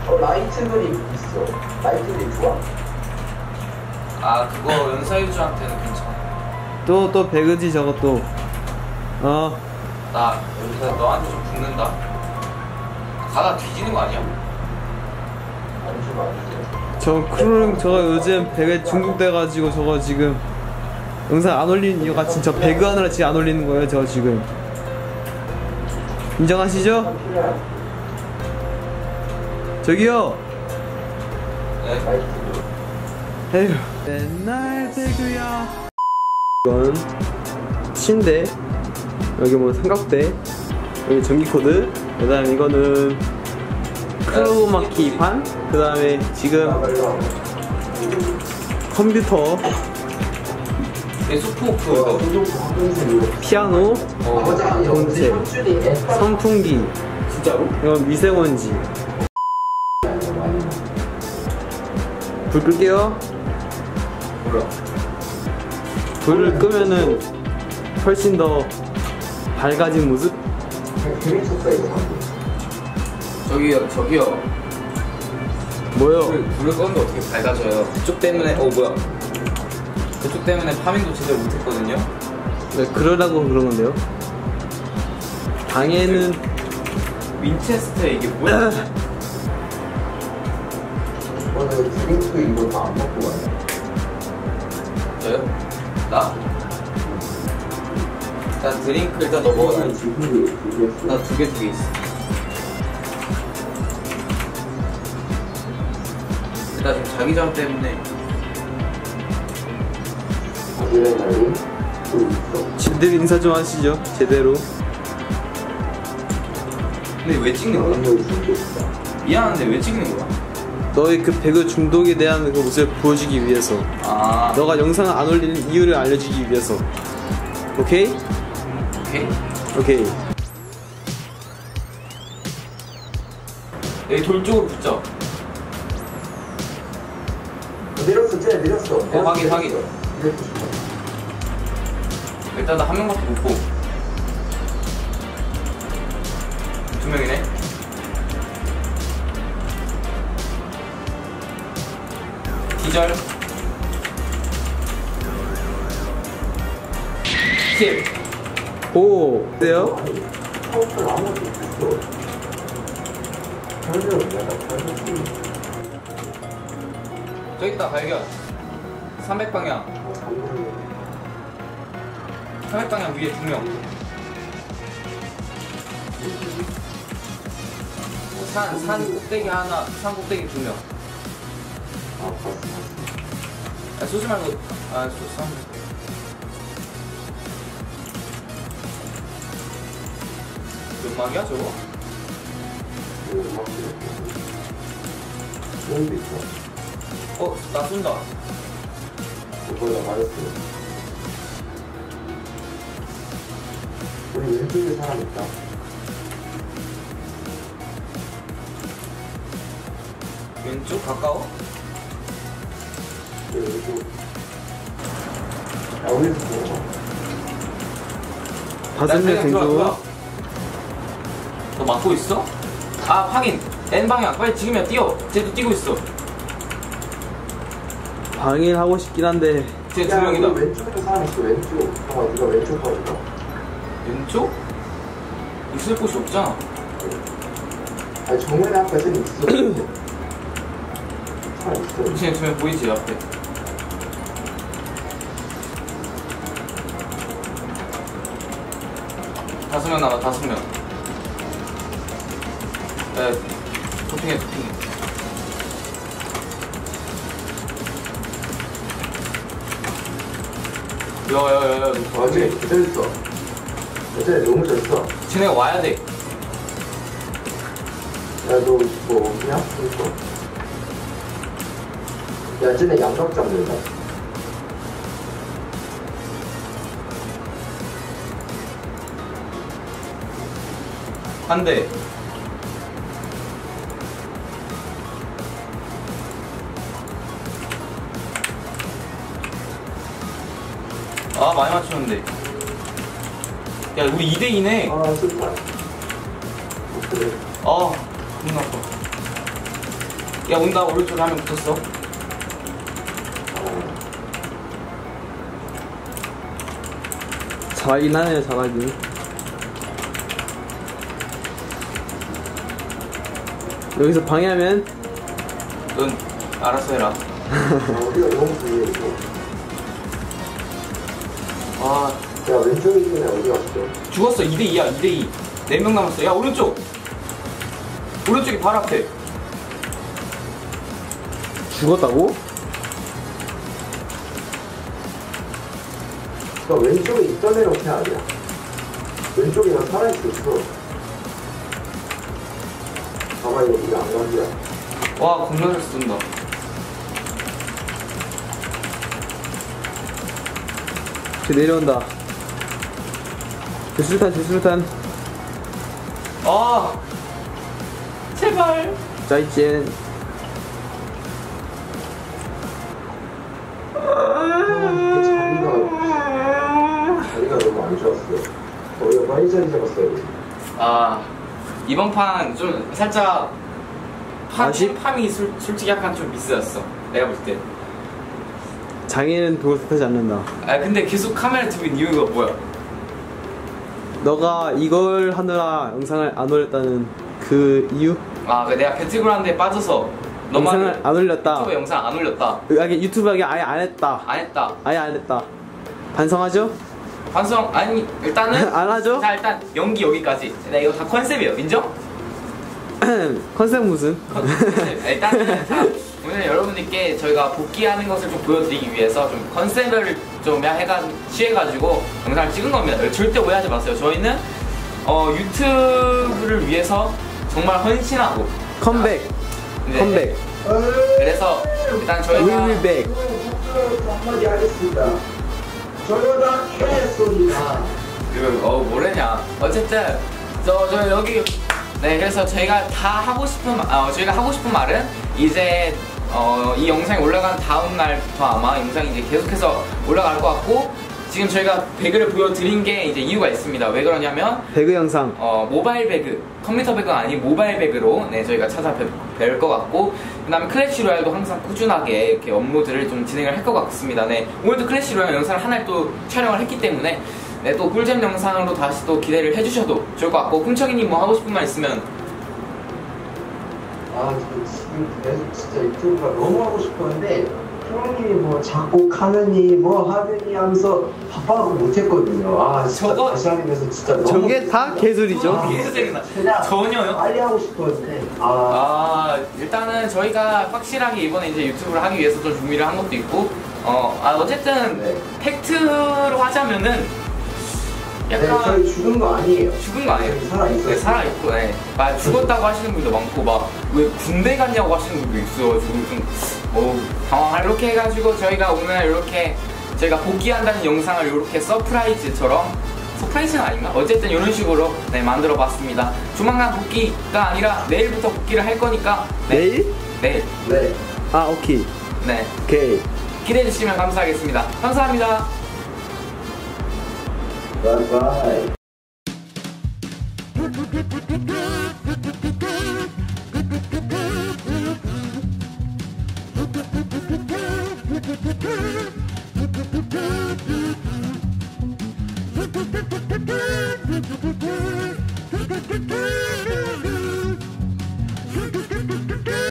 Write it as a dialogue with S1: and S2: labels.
S1: 라이트 그립 있어. 라이트 그립 좋아.
S2: 아 그거 연사유주한테는 괜찮아.
S3: 또 배그지 저것도.
S2: 나 여기서 너한테 좀 붙는다. 가다 뒤지는 거 아니야?
S3: 저 크루링 저거 요즘 배그에 중독돼가지고 저거 지금 영상 안 올리는 이유가 진짜 배그 하느라 지금 안 올리는 거예요. 저 지금 인정하시죠? 저기요.
S2: 네.
S3: 에휴 맨날 배그야. 이건 침대, 여기 뭐 삼각대, 여기 전기 코드, 그 다음에 이거는 크로마키 판, 그 다음에 지금 컴퓨터,
S2: 소프오프,
S3: 피아노, 본체, 선풍기,
S2: 진짜로?
S3: 이건 미세먼지. 불 끌게요.
S2: 몰라.
S3: 불을 끄면은 훨씬 더 밝아진 모습?
S2: 저기요.
S3: 뭐요?
S2: 불을 껐는데 어떻게 밝아져요? 그쪽 때문에 뭐야? 그쪽 때문에 파밍도 제대로 못했거든요.
S3: 네, 그러라고 그런 건데요. 방에는
S2: 윈체스터 이게 뭐야?
S1: 오늘 드링크 이거 다 안 먹고 가요.
S2: 저요? 나? 일단 드링크 일단 너 먹어. 나 두 개 있어. 나 지금 자기장 때문에
S3: 제대로 인사 좀 하시죠. 제대로.
S2: 근데 왜 찍는 거야? 미안한데 왜 찍는 거야?
S3: 너의 그 배그 중독에 대한 그 모습을 보여주기 위해서.
S2: 아
S3: 너가 영상을 안 올리는 이유를 알려주기 위해서. 오케이?
S2: 오케이?
S3: 오케이.
S2: 여기 돌 쪽으로 붙자.
S1: 내렸어, 쟤 내렸어.
S2: 확인. 일단 나 한 명밖에 못 보고. 두 명이네. 기절. 킬.
S3: 오, 어때요?
S2: 저기 있다 발견. 300방향. 300방향 위에 두 명. 산 꼭대기 하나, 산 꼭대기 두 명. 아, 쏘지 말고, 쏘. 연막이야 저거? 나 쏜다.
S1: 그거야 말했어. 우리 왼쪽에 사람 있다.
S2: 왼쪽 가까워?
S1: 왼쪽. 야, 우리
S3: 다섯 명 정도.
S2: 너 막고 있어? 아 확인! N방향 빨리 지금이야 뛰어! 쟤도 뛰고 있어.
S3: 방해하고 싶긴 한데.
S2: 쟤 두 명이다.
S1: 왼쪽에 사람 있어. 왼쪽. 네가 왼쪽 봐봐.
S2: 왼쪽? 있을 곳이 없잖아.
S1: 아니 정면에 앞에서는 있어. 사람 있어.
S2: 쟤 두 명 보이지 앞에. 다섯 명 남아. 네, 도핑해. 야야야야
S1: 어제 기다렸어. 어제 너무 졌어.
S2: 쟤네가 와야 돼.
S1: 야 너 뭐 없냐? 이거. 야 쟤네 양각 잡는다.
S2: 한 대. 아 많이 맞추는데. 야 우리 2대2네.
S1: 아 슬퍼. 그래.
S2: 아 너무 나빠. 야 온다. 오른쪽에 한 명 붙었어.
S3: 잘하긴 하네요, 잘하긴. 여기서 방해하면
S2: 넌 알아서 해라.
S1: 어디가 너무 불리해 이거.
S2: 아
S1: 야 왼쪽에 있는 애 어디 갔어?
S2: 죽었어. 2대2야. 2대2. 4명 남았어. 야 오른쪽. 오른쪽이 바로 앞에.
S3: 죽었다고?
S1: 그러니까 왼쪽에 있던 애는 어떻게 아니야? 왼쪽에 난 살아있었어. 아마 이거 우리 안 간지야.
S2: 와 겁나 잘 쏜다.
S3: 쟤 내려온다. 제수탄.
S2: 아 제발.
S3: 짜이젠.
S1: 자리가 너무 안 좋았어. 거기가 빨리 자리 잡았어야 돼.
S2: 아 이번 판 좀 살짝
S3: 아쉽?
S2: 팜이 솔직히 약간 좀 미스였어. 내가 볼 때.
S3: 장애는 도를 뜻하지 않는다.
S2: 아 근데 계속 카메라 들고 있는 이유가 뭐야?
S3: 너가 이걸 하느라 영상을 안 올렸다는 그 이유?
S2: 아 내가 배틀그라운드에 빠져서 너만
S3: 영상을 안 올렸다.
S2: 유튜브 영상 안 올렸다.
S3: 유튜브하게 아예 안 했다.
S2: 안 했다.
S3: 아예 안 했다. 반성하죠?
S2: 반성 아니 일단은
S3: 안 하죠?
S2: 자 일단 연기 여기까지. 나 이거 다 컨셉이에요. 인정?
S3: 컨셉 무슨?
S2: 일단은 자, 오늘 여러분들께 저희가 복귀하는 것을 좀 보여드리기 위해서 좀 컨셉을 좀 취해가지고 영상을 찍은 겁니다. 절대 오해하지 마세요. 저희는 유튜브를 위해서 정말 헌신하고
S3: 컴백.
S2: 네.
S3: 컴백.
S2: 그래서 일단 저희가
S3: 윌백.
S1: 한마디 하겠습니다. 저요다 개소리다.
S2: 뭐래냐. 어쨌든 저 여기 네 그래서 저희가 하고 싶은 말은 이제 이 영상이 올라간 다음 날부터 아마 영상이 이제 계속해서 올라갈 것 같고 지금 저희가 배그를 보여드린 게 이제 이유가 있습니다. 왜 그러냐면
S3: 배그 영상.
S2: 모바일 배그 컴퓨터 배그가 아닌 모바일 배그로 네 저희가 찾아뵐 것 같고 그다음에 클래시 로얄도 항상 꾸준하게 이렇게 업로드를 좀 진행을 할 것 같습니다. 네 오늘도 클래시 로얄 영상을 하나를 또 촬영을 했기 때문에 네 또 꿀잼 영상으로 다시 또 기대를 해주셔도 좋을 것 같고 쿵척이님 뭐 하고 싶은 말 있으면
S1: 지금 계속 진짜 유튜브가 너무 하고 싶었는데 형님이 뭐 작곡하느니 뭐 하느니 하면서 바빠서 못했거든요. 진짜
S2: 저거-
S1: 다시 하면서 진짜 너무
S3: 저게 다 개소리죠?
S2: 그냥 전혀요?
S1: 빨리 하고 싶었는데
S2: 일단은 저희가 확실하게 이번에 이제 유튜브를 하기 위해서 좀 준비를 한 것도 있고 어쨌든
S1: 네.
S2: 팩트로 하자면은
S1: 네,
S2: 약간
S1: 저희 죽은 거 아니에요.
S2: 죽은 거 아니에요?
S1: 저희 살아있어요.
S2: 네, 살아있고, 네. 막 죽었다고 하시는 분도 많고, 막, 왜 군대 갔냐고 하시는 분도 있어가지고, 좀, 당황할 이렇게 해가지고, 저희가 오늘 이렇게, 저희가 복귀한다는 영상을 이렇게 서프라이즈처럼, 서프라이즈는 아닌가? 어쨌든 이런 식으로, 네, 만들어 봤습니다. 조만간 복귀가 아니라, 내일부터 복귀를 할 거니까, 네.
S3: 내일?
S2: 내일.
S1: 네.
S3: 아, 오케이.
S2: 네.
S3: 오케이.
S2: 기대해주시면 감사하겠습니다. 감사합니다.
S1: 바이바이.